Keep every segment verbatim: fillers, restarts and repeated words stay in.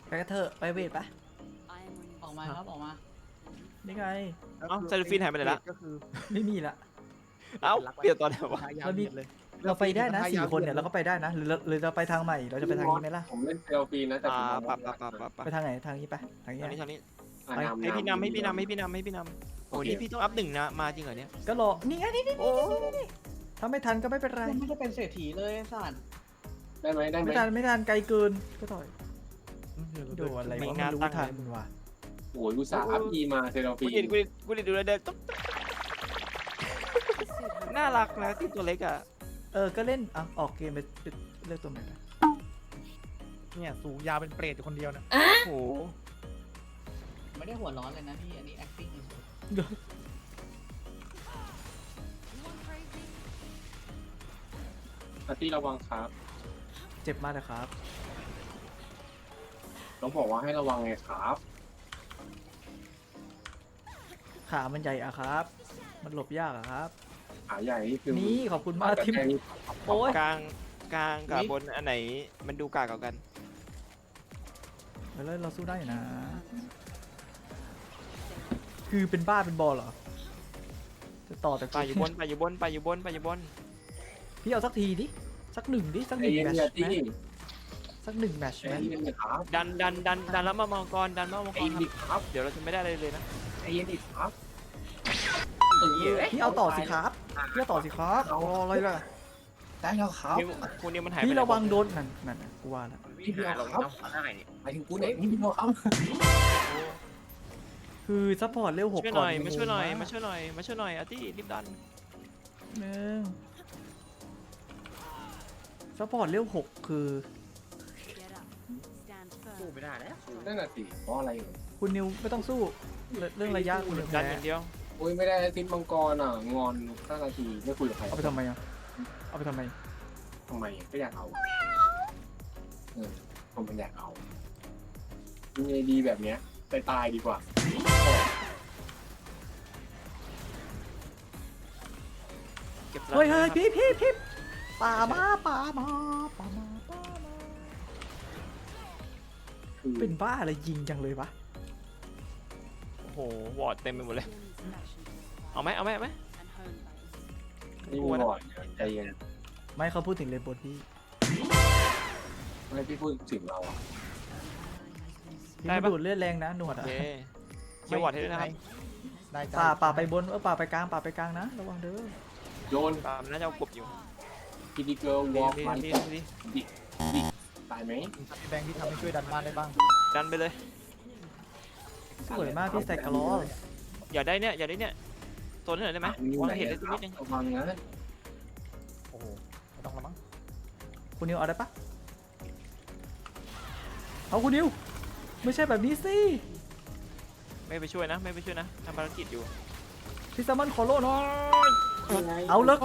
ไปกันเถอะไปเวทปะออกมาครับออกมานี่ไงเอ้าเซลฟินหายไปไหนละก็คือไม่มีละเอ้าเปลี่ยนตอนไหนวะเรามี เราไปได้นะสี่คนเนี่ยเราก็ไปได้นะหรือหรือเราไปทางใหม่เราจะไปทางนี้ไหมล่ะผมเล่นเซลฟีนะแต่อ่าผมปะปะปะปะปะไปทางไหนทางนี้ปะทางนี้ทางนี้ทางนี้อ่ะไปำให้พี่นำให้พี่นำให้ำพี่นำให้พี่นำโอ้โอเคนี่พี่ต้องอัพหนึ่งนะมาจริงเหรอเนี่ยก็รอนี่ไงนี่นี่นี่นี่ถ้าไม่ทันก็ไม่เป็นไรยังไม่ได้เป็นเศรษฐีเลยสัตว์ได้ไหมได้ไหมไม่ทันไม่ทันไกลเกินก็ต่อยโดนอะไรไม่วะน่าไม่รู้ตั้งทันเลยว่ะโอ้ยอุตส่าห์อัพอีมาเซลกูฟีเห็นกูเห็นกูเห็นดูแลวเดินตุ๊บน่ารักนะที่ตัวเล็กอ่ะเออก็เล่นอ่ะออกเกมไปเลือกตัวไหนไปเนี่ยสูงยาวเป็นเปรตอยู่คนเดียวนะโอ้โหไม่ได้หัวร้อนเลยนะพี่อันนี้ acting เฉยอาร์ตี้ระวังครับเจ็บมากนะครับต้องบอกว่าให้ระวังไงครับขามันใหญ่อะครับ มันหลบยากอะครับขาใหญ่นี่คือนี่ขอบคุณมากที่แต่แค่นี้โอ้ยกลางกลางกับบนอันไหนมันดูกากกว่ากันแล้วเราสู้ได้อยู่นะ คือเป็นบ้าเป็นบอลเหรอจะต่อแต่ไปอยู่บนไปอยู่บนไปอยู่บนไปอยู่บนพี่เอาสักทีดิสักหนึ่งดิสักหไอ้นึ่งเย็นแมตช์เนี่ยไหมตี้สักหนึ่งแมตช์ไอ้ไหมเย็นเนี่ยครับดันดันดันดันแล้วมามองกรดันมามองไอ้กรเย็นดิครับเดี๋ยวเราจะไม่ได้อะไรเลยนะไอ้เย็นดิครับเออพี่เอาต่อสิครับพี่เอาต่อสิครับเอาอะไรล่ะได้แล้วครับนิวคุณนิวมันหายไปพี่ไหนระวังโดนนั่นนั่นน่ะกูว่าละนี่เดียวครับหมายถึงกูเนี่ยนี่เดียวครับคือซัพพอร์ตเร็วหกช่วยหก่อน่นอยมาช่วยหน่อยมาช่วยช่วยหน่อยมาช่วยหน่อยอาร์ตี้รีบดันหนึ่งซัพพอร์ตเร็วหกคือสู้ไม่ได้แล้วนั่นน่ะสิเพราะอะไรเหรอคุณนิวไม่ต้องสู้เรื่องเรื่องระยะคุณนิวดันแพ้อย่างเดียวโอ้ยไม่ได้ซิปมังกรอ่ะงอนห้านาทีไม่คุยกับใครเอาไปทำไมอ่ะเอาไปทำไมทำไมก็อยากเอาเออผมมันอยากเอามีไอดีแบบเนี้ยไปตายดีกว่าเก็บเฮ้ยเฮ้ยพี่พี่พี่ป่ามาป่ามาป่ามาป่ามาคือเป็นบ้าอะไรยิงจังเลยวะโอ้โหวอร์ดเต็มไปหมดเลยเอาไหมเอาไหมเอาไหมนี่มีบอร์ดใจเย็นไม่เขาพูดถึงเลนบนพี่ไม่พี่พูดถึงเราอ่ะพี่ไม่ดูดเลือดแรงนะหนวดโออ่ะเคเชียร์วอร์ดให้ด้วยนะครับได้จ้ป่าป่าไปบนเออป่าไปกลางป่าไปกลางนะระวังเด้อโยนตามน่าจะเอากบอยู่พีดีเกิร์ลวดีอล์กดีมันดีดีดิดิตายไหมพี่แบงค์ที่ทำให้ช่วยดันบ้านได้บ้างดันไปเลยสวยมากพี่ใส่กระล้ออย่าได้เนี่ยอย่าได้เนี่ยตัวนี้หน่อยได้ไหมวางเห็นได้สักนิดนึงระวังนะโอ้โหไม่ต้องละมั้งคุณนิวเอาได้ปะเอาคุณนิวไม่ใช่แบบนี้สิไม่ไปช่วยนะ ไม่ไปช่วยนะทำภารกิจอยู่พี่แซมมอนขอโล่หน่อยเอาเลิก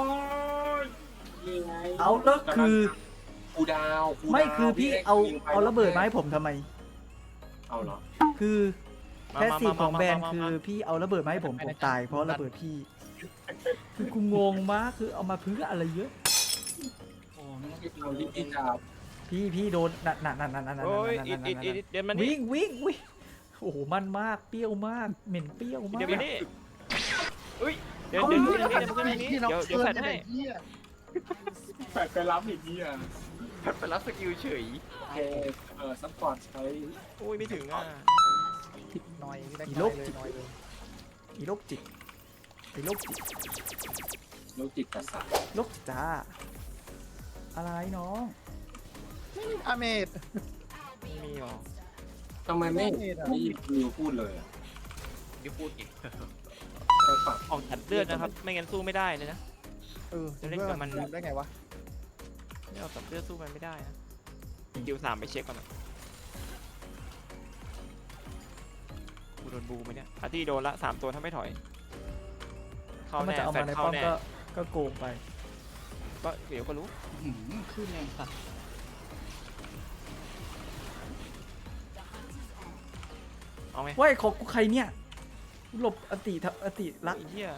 เอาเลิกคือกูดาวกูดาวไม่คือพี่เอายิงไปเอาระเบิดมาให้ผมทำไมเอาเหรอคือมาแค่มาสีมาของมาแบรนมาด์มาคือพี่เอาระเบิดมาให้ผมผมตายเพราะระเบิดพี่ คือกูงงมากคือเอามาเพื่ออะไรเยอะโอ้ไม่ต้องเอาที่พี่จะพี่พี่โดนนั่นนั่นนั่นนั่นนั่นนั่นโอ้ยนั่นอีนั่ดนอีดอีดเดี๋ยวมันนี่วิ่งวิ่งวิ่งโอ้โหมันมากเปรี้ยวมากเหม็นเปรี้ยวมากเดี๋ยวมันนี่อุ้ยเดี๋ยวเดี๋ยวเดี๋ยวเดี๋ยวเดี๋ยวเดี๋ยวเดี๋ยวเดี๋ยวแฟนให้แปดไปรับอีกนี่อ่ะไปรับสกิลเฉยโอเคเออซัพพอร์ตใช้โอ้ยไม่ถึงอ่ะน้อยพี่แบงค์น้อยเลยน้อยเลยอีโรคจิตอีโรคจิตโลจิตประสาทโรคจ้าอะไรน้องอาเมดไม่มีหรอทำไมไม่ไม่ได้ไม่นิวพูดเลยอ่ะเดี๋ยวพูดอีกไปปักออกตัดเลือดนะครับ ไม่งั้นสู้ไม่ได้เลยนะเออจะเล่นกับมันได้ไงวะไม่เอาตัดเลือดสู้มันไม่ได้นะคิวสามไปเช็คก่อนนะกูโดนบูไหมเนี่ยอาร์ตี้โดนละสามตัวถ้าไม่ถอย เข้าถ้ามันแน่จะเอาแฟมาน ในเข้าป้อมแน่ก็ก็โกงไปก็เดี๋ยวก็รู้หืมขึ้นแรงสัตว์เอาไหมเว้ยของกูใครเนี่ยหลบอติทะอติรักไอ้เหี้ย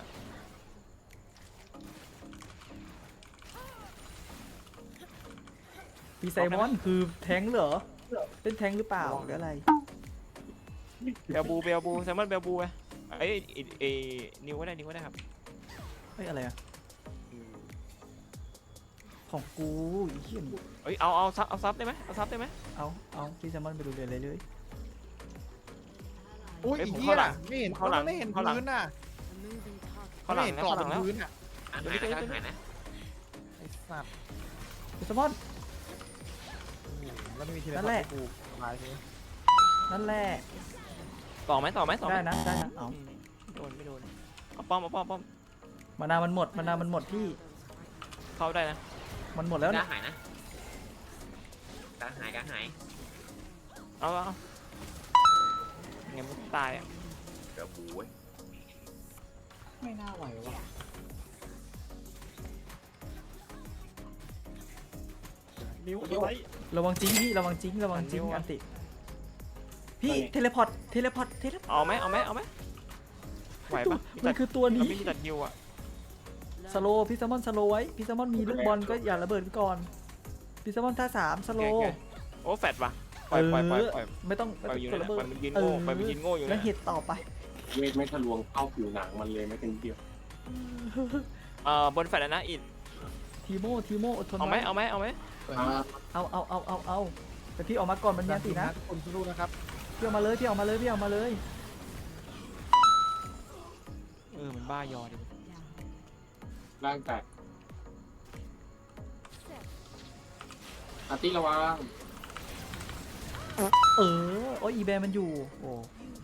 พี่ไซมอนคือแทงค์เหรอเล่นแทงค์หรือเปล่าหรืออะไรเบลบูเบลบูแซมมอนเบลบูไงไอ้ไอ้ไอ้นิวก็ได้นิวก็ได้ครับเฮ้ยอะไรอะของกูอีเหี้ยนเอ้ยเอาเอาซับเอาซับได้ไหมเอาซับได้ไหมเอาเอาพี่แซมมอนไปดูเรียนเลยเลยอุ้ยเอ้ยอีผมเหี้ยเข้าหลังไม่เห็นเข้าหลังไม่เห็นเข้าหลังพื้นน่ะเข้าหลังไม่เห็นนะกรอบเข้าหบลังแล้วนพื้นอ่ะอ่านหายนะอ่านหายนะไอ้สัตว์พี่แซมมอนโอ้โหแล้วไม่มีทีนั่นแหละกูสบายทีนั่นแหละต่อไหมต่อไหมต่อไหมได้นะได้นะเอาอืมไม่โดนไม่โดนเอาป้อมเอาป้อมป้อมมานามันหมดมานามันหมดพี่เข้าได้นะมันหมดแล้วกล้านะหายนะกล้าหายกล้าหายเอาเอาไงมันตายอ่ะเดี๋ยวบูเว้ยไม่น่าไหวว่ะนิ้วอะไรระวังจิ้งพี่ระวังจิ้งระวังจิ้งอันนี้วะอันติพี่เทเลพอร์ตเทเลพอร์ตเทเลพอร์ตเอาไหมเอาไหมเอาไหมไหวปะมันคือตัวมันนี้ไม่มีตัดฮิวอ่ะสโลว์พี่แซมมอนสโลว์ไว้พี่แซมมอนมีลูกบอลก็อย่าระเบิดไปก่อนพี่แซมมอนท่าสามสโลโอเคว์โอ้แฟดปะปล่อยปล่อยปล่อยปล่อยไม่ต้องปล่อยอยู่กนั่ดนระแหละเบิปล่ดอยมันยืนโง่ปล่อยมันยืนโง่อยู่แล้วนะเห็ดต่อไปเวทไม่ทะลวงเข้าผิวหนังมันเลยไม่ถึงเดียวเอ่อบนแฟดนะอิดทีโมทีโมอดทนเอาไหมไว้เอาไหมเอาไหมอ่าเอาเอาเอาเอาเอาแต่พี่ออกมาก่อนมันมีอันตินะทุกคนสู้ๆนะครับพี่ออกมาเลยพี่ออกมาเลยพี่ออกมาเลยเออมันบ้ายอดิร่างแตกอาร์ตี้ระวังเออโอ้ยอีแบร์มันอยู่โอ้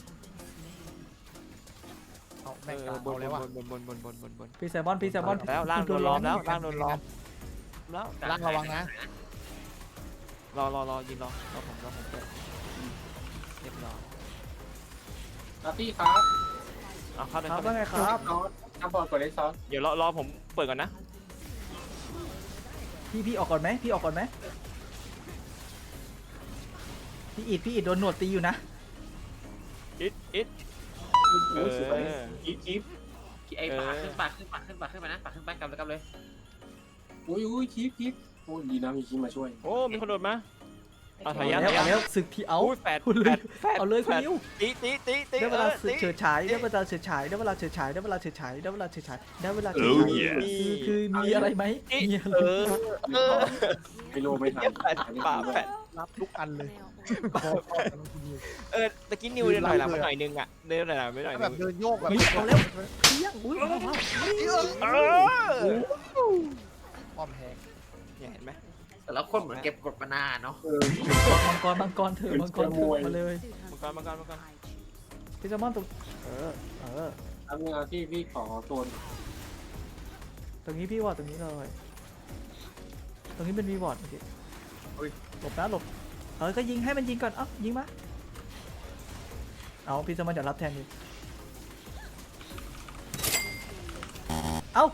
เอาเอแม่งอกลางบนเอาเลยว่ะบนบนบนบนบนบนพี่แซมมอนพี่แซมมอนแล้วล่างโดนล้อมแล้วล่างโดนล้อมแล้วล่างระวังนะรอรอรอยืนรอรอผมรอผมเปิดเรียบร้อยอาร์ตี้ครับเอาเข้าเลยครับเข้าว่าเลยไงครับซอสถ้าบอลกดได้ซอสเดี๋ยวรอรอผมเปิดก่อนนะพี่พี่ออกก่อนไหมพี่ออกก่อนไหมพี่อิดพี่อิดโดนหนวดตีอยู่นะอิดอิดเอโอ้ยสวยออีจิ๊บไอ้เออปากขึ้นปากขึ้นปากขึ้นปากขึ้นมานะปากขึ้นไปกลับเลยกลับเลยอุ้ยอุ้ยคิปคิปโอ้ยดีนะมีคิปมาช่วยโอ้มีคนโดดมาเอาถอยเอายันแล้วถอยยัเอานแล้วศึกที่เอาอุ้ยแฟดคุณแฟเลยดแฟดเอาเลยคุณแฟดนิวตีตีตีตีได้เวเอลาอตีเฉิดฉายได้เวลาเฉิดฉายได้เวลาเฉิดฉายได้เวลาเฉิดฉายได้เวลาเฉิดฉายได้เวลาเฉิดฉายคือคือมีอะไรไหมมีอะไรเออเออไม่โลไม่ทันแฟดป่าแฟดรับทุกอันเลยเออตะกี้นิวเดินถอยหลังไปหน่อยนึงอ่ะเดินถอยหลังไปหน่อยแบนึบงเดินโยกแบบเฮ้ยเอาแล้วเที่ยงอุ้ยว้าวว้าวเออป้อมแหกเนี่ยเห็นไหมแต่ละคนเหมือนเก็บกดมานานเนาะเออมังกรมังกรเถอะมังกรเถอะมาเลยมังกรมังกรมังกรพี่แซมมอนตรงเออเออทำงานที่พี่ขอโซนตรงนี้พี่วอร์ดตรงนี้เลยตรงนี้เป็นวีวอร์ดโอเคหลบนะหลบเออก็ยิงให้มันยิงก่อนเอ้ายิงมาเอาพี่แซมมอนจะรับแทนดิเอ้า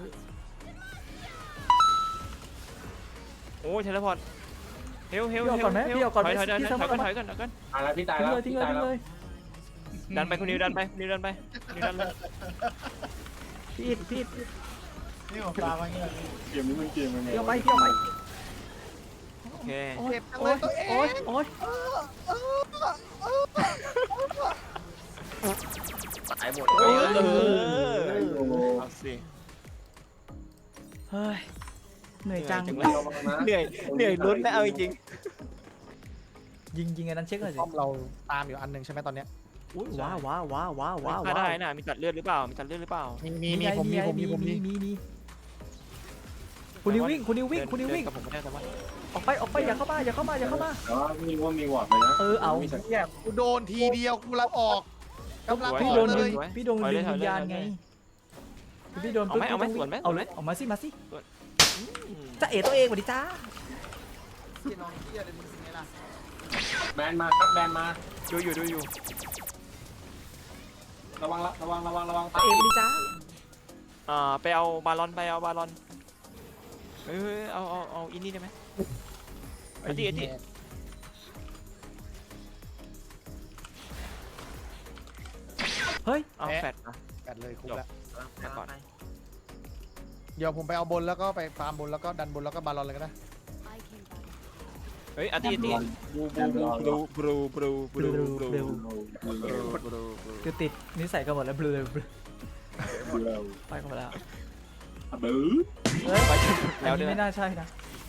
โอ้ยเทเลพอร์ตเฮลเฮลพี่ออกเฮลก่อนไหมเฮลพี่ออกก่อนไหมถอยถอยพี่ถแซอยมมอนถอยก่อนถอยก่อนอ่ะแล้วพี่ตายทิ้งแล้วเลยทิ้งพี่เลยตายทิ้งแล้วเลยดันไปคุณนิวดันไปนิวดันไปนิวดันเลยพี่อิดพี่อิดนี่ของตามาเงี้ยเกมนี้มันเกมยังไงพี่เอาไปพี่เอาไปโอเคโอ้ยเจ็บจังโอ้เลย ยตัวเองโอ้ยโอ้ยตายหมดเออเออเอาสิเฮ้ยเหนื่อยจังเหนื่อยจังเลย เหนื่อยเหนื่อยลุ้นนะเอาจริงยิงยิงไอ้นั้นเช็คหน่อยสิป้อมเราตามอยู่อันหนึ่งใช่ไหมตอนเนี้ยอุ้ยว้าวว้าวว้าวว้าวๆว้าวฆ่าได้นะมีตัดเลือดหรือเปล่ามีตัดเลือดหรือเปล่ามีมีมีผมมีผมมีผมมีมีมีคุณนิววิ่งคุณนิววิ่งเดินคุณนิววิ่งเดิกับผมก็ได้แต่ว่าออกไปออกไปอย่าเข้ามาอย่าเข้ามาอย่าเข้ามาแต่ว่ามีว่ามีวอร์ดเลยนะเออเอามีสักเนี่ยกูโดนทีเดียวกูรับออกกำลังพี่อโดอกนเลดึยงพี่โดนดึงวิญญาณไงพี่โดนเอาไหมเอาไหมพี่สต้วนไหมเอาเลยออกมาสิมาสิอืมจะเอ๋ตัวเองสวัสดีจ้าพี่น้องเฮียเลยมึงไงล่ะแบนมาครับแบนมาดูอยู่ดูอยู่ระวังละระวังระวังระวังจะเอ๋สวัสดีจ้าอ่าไปเอาบาลอนไปเอาบาลอนเฮ้ยเฮ้ยเอาเอาเอาอินนี่ได้ไหมไอ้ดิไอ้ดิเฮ้ยเอาแฟดอ่ะแปดเลยคุ้มจบแล้วมาก่อนเดี๋ยวผมไปเอาบนแล้วก็ไปฟาร์มบนแล้วก็ดันบนแล้วก็บาลอนเลยก็ได้เอฮ้ยอาร์ตี้อาร์ตี้บูบูบูบูบูบูบูบูบูคือติดนิสัยกันหมดแล้วเบลอเบลอไปกันหมดแล้วบื้อเฮ้ยไปอัแล้วนนี้เนี่ยไม่น่าใช่นะ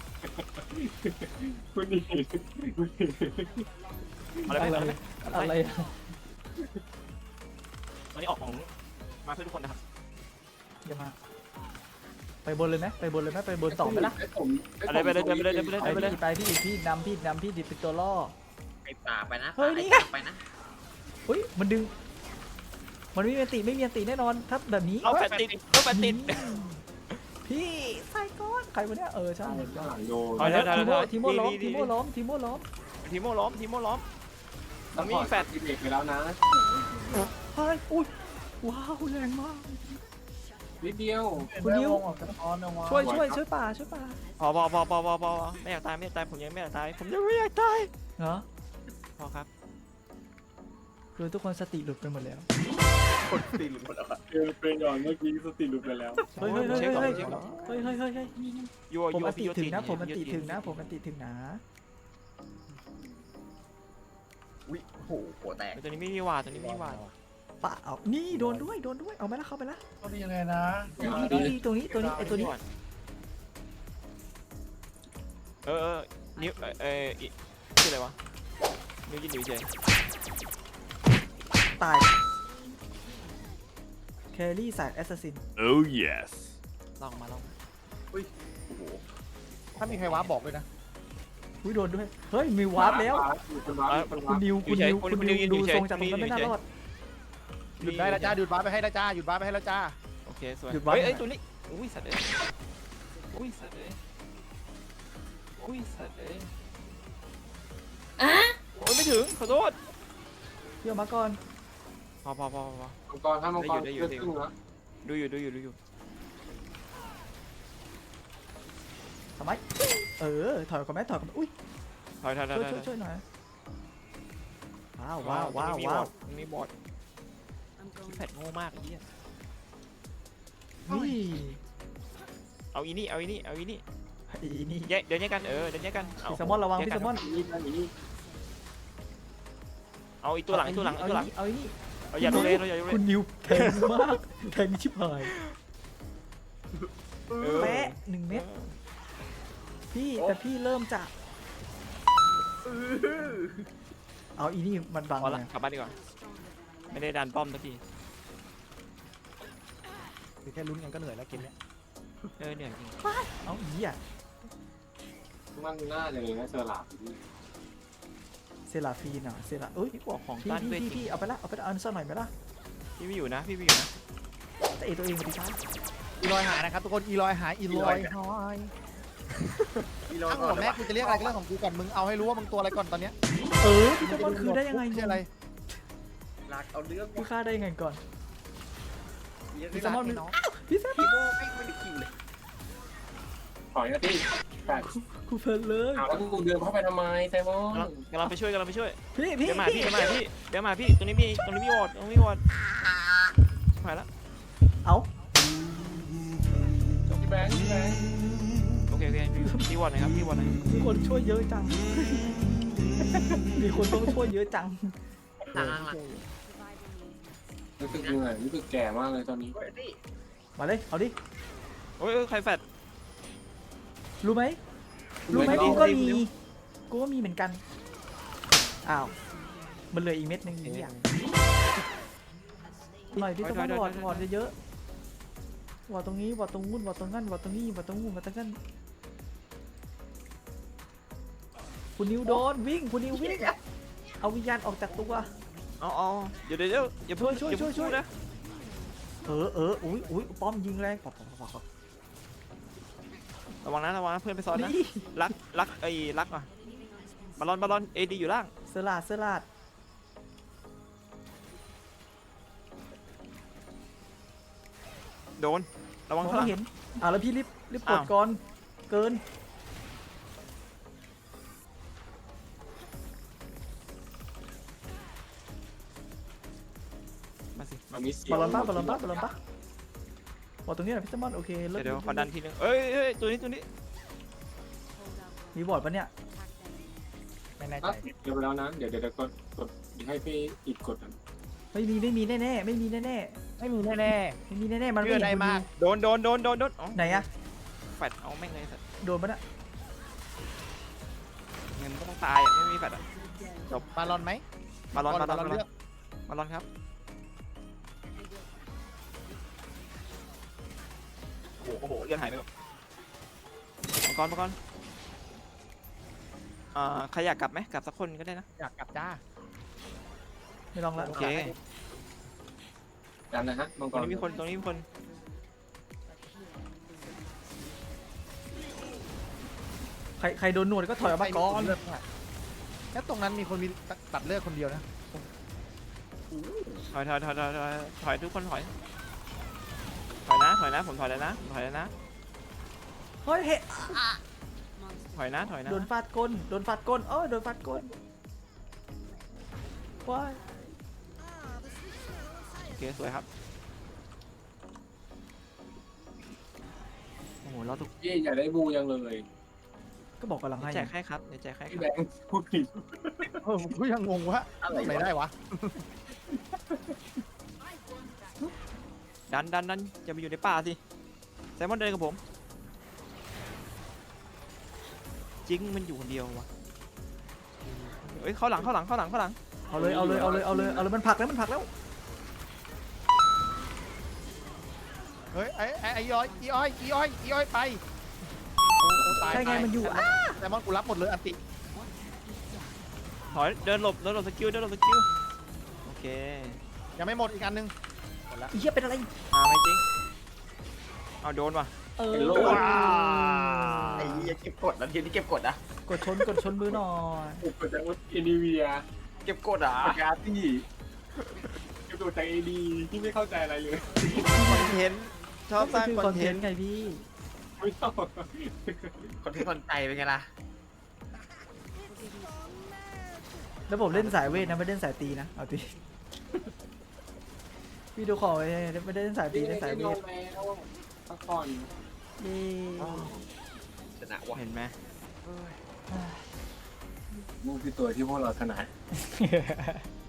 คุณนี่อะไรไปอะไรอะไรอะตอนนี้ออกของมาเพื่อทุกคนนะครับเดี๋ยวมาไปบนเลยไหมไปบนเลยไหมไปบนสองไหมล่ะอะไรไปเลยไปเลยไปเลยไปไปเลยพี่ไปพี่พี่นำพี่นำพี่ดิบเป็นตัวล่อไปป่าไปนะเฮ้ยป่านี่ไงไปนะเฮ้ยมันดึง มันไม่มีอันติไม่มีอันติแน่นอนถ้าแบบนี้เอาแฟนติดเอาแฟนติดพี่ใส่ก้อนใครวะเนี่ยเออใช่ข้างหลังโดนเอาเดี๋ยวทีโมเดี๋ยวทีโมล้อมดีทีโมล้อมทีโมล้อมทีโม่ล้อมทีโม่ล้อมต้องมีแฟดเด็กไปแล้วนะเฮ้ยอุ้ยว้าวแรงมากนิดเดียวคุณนิวออกจากออนนะวะช่วยช่วยช่วยป่าช่วยป่าพอพอพอพอพอพอไม่อยากตายไม่อยากตายผมยังไม่อยากตายผมยังไม่อยากตายเหรอพอครับคือทุกคนสติหลุดไปหมดแล้วเจอเป็นก่อนเมื่อกี้สติหลุดไปแล้วเฮ้ยเฮ้ยเฮ้ยเช็คก่อนเฮ้ยเช็คก่อนเฮ้ยเฮ้ยเฮ้ยเฮ้ยโยผมโยอันติโยถึงนะตีผมอันติโยตีถึงนะผมอันติถึงนะอุ้ยโอ้โหหัวแตกตัวนี้ไม่มีวาดตัวนี้ไม่มีวาดป่าเอานี่โดนด้วยโดนด้วยเอาไหมล่ะเข้าไปละเขาดียังไงนะนี่นี่นี่ตรงนี้ตัวนี้ไอตัวนี้เออเออนิ้วเออเออชื่ออะไรวะนิ้วยืนอยู่เฉยตายแครี่สายแอสซัสซิน Oh yes. ลองมาลองมาถ้ามีใครว้าบอกเลยนะอุ้ยโดนด้วยเฮ้ยมีวาร์ปแล้วคุณวาร์ปคุณนิวคุณนิวคุณนิวดูทรงจากตรงนั้นไม่น่ารอดหยุดได้แล้วจ้าหยุดว้าไปให้แล้วจ้าหยุดว้าไปให้แล้วจ้าโอเคสวยหยุดวาดเฮ้ยเอ้ยตัวนี้อุ้ยสัตว์เลยอุ้ยสัตว์เลยอุ้ยสัตว์เลยโอ้ยไม่ถึงขอโทษเดี๋ยวมาก่อนพอพอพอพอมังกรถ้ามังกรได้อยู่เกิดได้อยู่ขึ้นนะดูอยู่ดูอยู่ดูอยู่ทำไมเออถอยก่อนไหมถอยก่อนไหมอุ้ยถอยถอยถอยช่วยถช่อวย ยช่วยหน่อยว้าวว้าวว้าวมีบว้าอวดมีบอดแพดโง่มากไอ้เหี้ยนี่เอาอีนี่เอาอีนี่เอาอีนี่อีนี่แยกเดินแยกกันเออเดินแยกกันเอาพี่แซมมอนระวังแยกพี่กัแซมมอนนี่นะนี่เอาอีกตัวหลังอีกตัวหลังอีกตัวหลังเอาอีนี่เอาอย่าโดนเลยเราอย่าโดนเลคุยณนิวแทงมากแทงชิบหายเออแปะหนึ่งเม็ดพี่แต่พี่เริ่มจากเอาอีนี่มันบังพอละไงกลับบ้านดีกว่าไม่ได้ดันป้อมสักทีคือแค่ลุ้นกันก็เหนื่อยแล้วเกมเนี้ยเออเหนื่อยจริงเอาอีอ่ะมันน่าจะเลยนะเซอร์ลาบเซราฟีนอ่ะเซราเอ้ยพี่กลัวของพี่ต้านพี่เวทพี่จริพี่งเอาไปละเอาไปละเอาสักหน่อยไหมล่ะพี่ไม่อยู่นะพี่ไม่อยู่นะแต่เอตัวเองมาดิครับอีลอยหายนะครับทุกคนอีลอยหายอีลอยหายทั้งหมดแม่กูจะเรียกอะไรก็เรื่องของกูก่อนมึงเอาให้รู้ว่ามึงตัวอะไรก่อนตอนเนี้ยเออพี่แซมมอนคือได้ยังไงชื่ออะไรหลักเอาเรื่องพี่ฆ่าได้ยังไงก่อนพี่แซมมอนไน้องพี่แซมคีโมไม่ไม่ได้คิวเลยถอยนะพี่แปดกูเพลินเลยเอาแล้วกูเดินเข้าไปทำไมไซมอนกำลังไปช่วยกำลังไปช่วยพี่พี่เดี๋ยวมาพี่พี่เดี๋ยวมาพี่เดี๋ยวมาพี่ตรงนี้มีตรงนี้มีวอดตรงนี้มีวอดหายละเอาพี่แบงค์พี่แบงค์โอเคโอเคพี่วอดหนะครับพี่วอดหน่อยมีคนช่วยเยอะจัง มีคนต้องช่วยเยอะจังหลังหลังหลังรู้สึกเหนื่อยรู้สึกแก่มากเลยตอนนี้เฮ้ยนี่มาเลยเอาดิโอ้ยเอ้ยใครแฟดรู้ไหมรู้ไหมไม่กูรู้ก็ไม่รู้มีกูก็มีเหมือนกันอ้าวมันเหลืออีกเม็ดหนึงนี่อย่างหน่อยพี่ต้องวอดวอดเยอะๆวอดตรงนี้วอดตรงนู้นวอดตรงนั้นวอดตรงนี้วอดตรงนู้นวอดตรงนั้นคุณนิวโดนวิ่งคุณนิววิ่งเอาวิญญาณออกจากตัวเอาเอาเดี๋ยวเดี๋ยวเดี๋ยวอย่าเพิ่งช่วยอาช่วยเพิ่งช่วยพูดนะเออเอออุ้ยอุ้ยป้อมยิงแรงปอกปอกปอกปอกระวังนะระวังนะเพื่อนไปซ้อนนะนี่รักรักไอ้รักอ่ะบอลลอนบอลลอนเอดีอยู่ล่างเสลาดเสลาดโดนระวังมองข้างหลัไม่งเห็นอ่ะแล้วพี่รีบรีบกดอ้าวก่อนเกินมาสิมันมีเสียบอลลอนป้าบอลลอนป้าบอลลอนป้าบอกตรงนี้หน่อยพี่แซมมอนโอเคเลิเดี๋ยวกเดี๋ยวขอดันทีนึงเอ้ยเอ้ยตัวนี้ตัวนี้มีบอร์ดปะเนี่ยแน่อ่ะใจเดี๋ยวไปแล้วนะเดี๋ยวเดี๋ยวเดี๋ยวกดกดให้พี่อีกกดอ่ะไม่มีไม่มีแน่ๆไม่มีแน่ไม่มีแน่ๆไม่มีแน่ๆมันเชื่อไม่ได้เห็นมากโดนโดนโดนโดนโดนอ๋อไหนอะแฟดเอาแม่งเลยสัตว์โดนปะน่ะเงินก็ต้องตายอ่ะไม่มีแฟดอ่ะๆบาลอนไหมบาลอนบาลอนบาลอนบาลเลืออน กบาลอนครับโอ้โหโอ้โหเลือดหายไปหมดมังกรมังกรอ่าใครอยากกลับไหมกลับสักคนก็ได้นะอยากกลับจ้าไม่ลองละโอเคดันนะฮะมังกตรงรนี้มีคนตรงนี้มีคนใครใครโดนหนวดก็ถอยออกมาก่อนแล้วตรงนั้นมีคนมีตัดเลือดคนเดียวนะถอยถอยถอยถอยถอยถอยทุกคนถอยถอยนะถอยนะผมถอยแล้วนะผมถอยแล้วนะเฮ้ยเฮ้ถอยนะถอยนะโดนฟาดก้นโดนฟาดก้นเอ้ยโดนฟาดก้นว้ายโอเคสวยครับโอ้โหเราถูกพี่อยากได้บูยังเลยก็บอกกำลังให้แจกให้ครับเดี๋ยวแจกให้คพี่รับแบงค์พูดผิดเออผมก็ยังงงว่าอะไรได้วะดันดันดันจะไปอยู่ในป่าสิแซมมอนเดินกับผมจริงมันอยู่คนเดียววะเฮ้ยเข้าหลังเข้าหลังเข้าหลังเข้าหลังเอาเลยเอาเลยเอาเลยเอาเลยเอาเลยมันผลักแล้วมันผลักแล้วเฮ้ยไอ้ไอ้ไอ้ย้อยอีอ้อยอีอ้อยอีอ้อยไปโอ้โหตายใช่ไงตายมันอยู่อ่ะแต่มอนกูรับหมดเลยอันติถอยเดินหลบเดินหลบสกิลเดินหลบสกิลโอเคยังไม่หมดอีกอันนึงอีเหี้ยเป็นอะไรมาไหมจริงเอาโดนว่ะเออเป็นโลกไอ้เหี้ยเก็บกดแล้วทีนี้เก็บกดอ่ะกดชนกดชนมือหน่อยอุปจากเอดีเวียเก็บกดอ่ะปากกาตี้เก็บตัวจากเอดีที่ไม่เข้าใจอะไรเลยคอนเทนต์ชอบสร้างคือคคออน นเทเทนนต์ต์ไงพี่ไม่ชอบคนที่คนใจเป็นไงล่ะแล้วผมเล่นสายเวทนะไม่เล่นสายตีนะเอาตีพี่ดูขอไว้ไม่ได้เล่นสายตีเล่นสายเวทแล้วพักผ่อนเย้ชนะวะเห็นไหมมูคือตัวที่พวกเราถนัด